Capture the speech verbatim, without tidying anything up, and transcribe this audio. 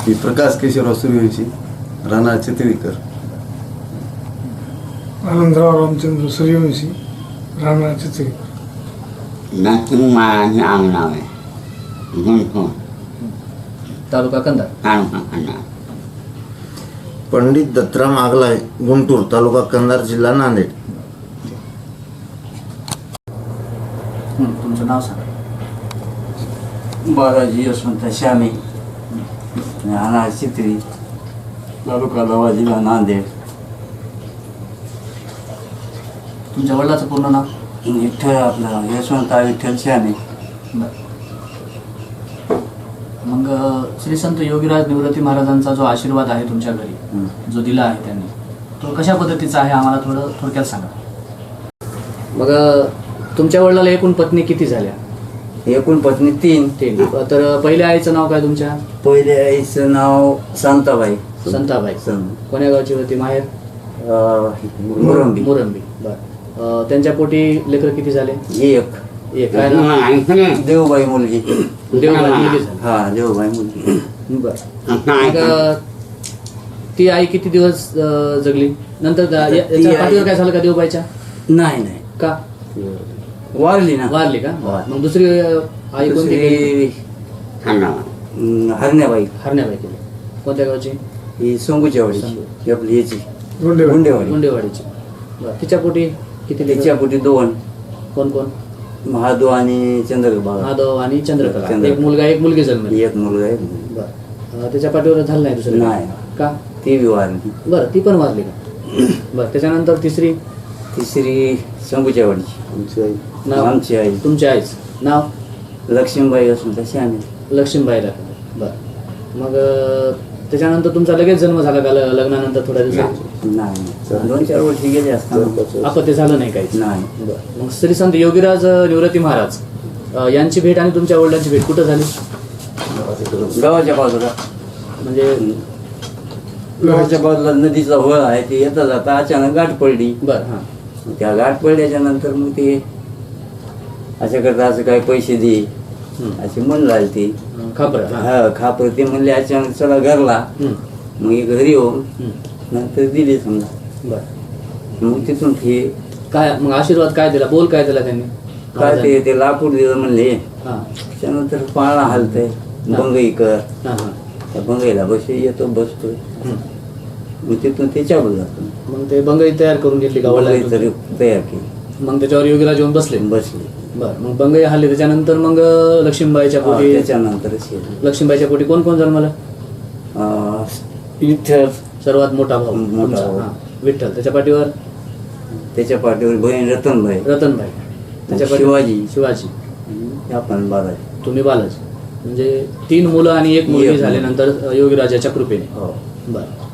की प्रकाश केशवराव सूर्यवंशी, राहणार चितळीकर. आनंदराव रामचंद्र सूर्यवंशी, राहणार चितळीकर. नाशिक महाराज आंगणाव आहे. गुंठून तालुका कंधार. तालुका खंडार. पंडित दत्तराम आगलाय, गुंटूर तालुका कंधार, जिल्हा नांदेड. हं, तुमचं नाव सांगा. बालाजी यशवंत श्यामे, राहणार चितळी, तालुका लोहा, जिल्हा नांदेड. तुमच्या वडिलाचं पूर्ण नाव. विठ्ठल आपलं यशवंत विठ्ठल श्यामे. बरं. मग अ, श्री संत योगीराज निवृत्ती महाराजांचा जो आशीर्वाद आहे तुमच्या घरी, जो दिला आहे त्यांनी, तो कशा पद्धतीचा आहे आम्हाला थोडं थोडक्यात सांगा. मग अ, तुमच्या वडिलाला एकूण पत्नी किती झाल्या? एकूण पत्नी तीन. तीन. तर पहिल्या आईचं नाव काय तुमच्या? पहिले आईचं नाव शांताबाई. संताबाई. सं- कोण्या गावची होती माहेर? अं, मुरंबी. मुरंबी. बरं. अ, त्यांच्या पोटी लेकरं किती झाले? एक एक. काय नाव? देवबाई मुलगी. देवबाई मुलगी झाली. हा देवबाई मुलगी. बरं. मग अ, ती आई किती दिवस अ, जगली? नंतर दा- या- ती याच्या आई- पाठीवर काय झालं का देवबाईच्या? नाही नाही का वारली ना. वारली का? वारली. मग दुसरी अ, आई कोणती केली? दुसरी, खंडार. अं, हरण्याबाई. हरण्याबाई केली. कोणत्या गावची? ही सोंगूच्या वाडीची. ही आपली याची गुंडेवाडी. गुंडेवाडी. गुंडेवाडीची. बरं. तिच्या पोटी किती लेकरं? तिच्या पोटी दोन, कोण कोण? महादेव आणि चंद्रबाबा. माधव आणि चंद्रकला. चंद्रकला. एक मुलगा एक मुलगी जन्मली. एक मुलगा आहे. बरं. अ, त्याच्या पाठीवर झालं नाही दुसरं? नाही. का? ती बी वारली. बरं. ती पण वारली का? बरं. त्याच्यानंतर तिसरी? तिसरी शंभूच्या वाडीची. आमची आई नाव? आमची आई तुमच्या आईच नाव? लक्ष्मीबाई असून तशी आम्ही. लक्ष्मीबाईला. बरं. मग अ, त्याच्यानंतर तुमचा लगेच जन्म झाला का ल- लग्नानंतर थोड्या दिवसात? नाही दोन चार वर्षी गेले असताना आपत्ती झालं नाही काहीच? नाही. बरं. मग श्री संत योगीराज अ, निवृत्ती महाराज अ, यांची भेट आणि तुमच्या वडिलांची भेट कुठं झाली? गावाच्या बाजूला म्हणजे गावाच्या बाजूला नदीचा होळ आहे. ते येता जाता अचानक गाठ पडली. बरं. हां. मग त्या गाठ पडल्याच्या नंतर मग ते असं करता असं काय पैसे दे हं. असे म्हणलं आले ते. खापर. हां. हा खापर ते म्हणले अचानक चला घरला. हं. मग हे घरी येऊन हं. नंतर दिले समजा. बरं. मग तिथून ते काय मग आशीर्वाद काय दिला? बोल काय दिला त्यांनी? काय ते ते लाकूड दिलं म्हणले. हां. त्याच्यानंतर पाळणा हालतंय. बंगई कर. हां हां. त्या बंगईला बसे येतो बसतोय. हं. मग तिथून ते चालू जातो. मग ते बंगई तयार करून घेतली का बंगई वडिलांनी? तरी तयार केली. मग त्याच्यावर योगीराज येऊन बसले. बसली. बरं. मग बंगई हल्ली त्याच्यानंतर मग अ, लक्ष्मीबाईच्या हा, पोटी त्याच्यानंतरच हे. लक्ष्मीबाईच्या पोटी कोण कोण जन्मलं? अं, विठ्ठल. सर्वात मोठा भाऊ मोठा तुमचा. भाऊ. हां. विठ्ठल. त्याच्या पाठीवर त्याच्या पाठीवर बहीण रतनबाई. रतनबाई. त्याच्या पाठीवर शिवाजी. शिवाजी. आणि आपण बालाजी. तुम्ही बालाजी. म्हणजे तीन मुलं आणि एक मुलगी एक मुलगी. झाल्यानंतर अ, योगीराजाच्या कृपेने. हो. बरं.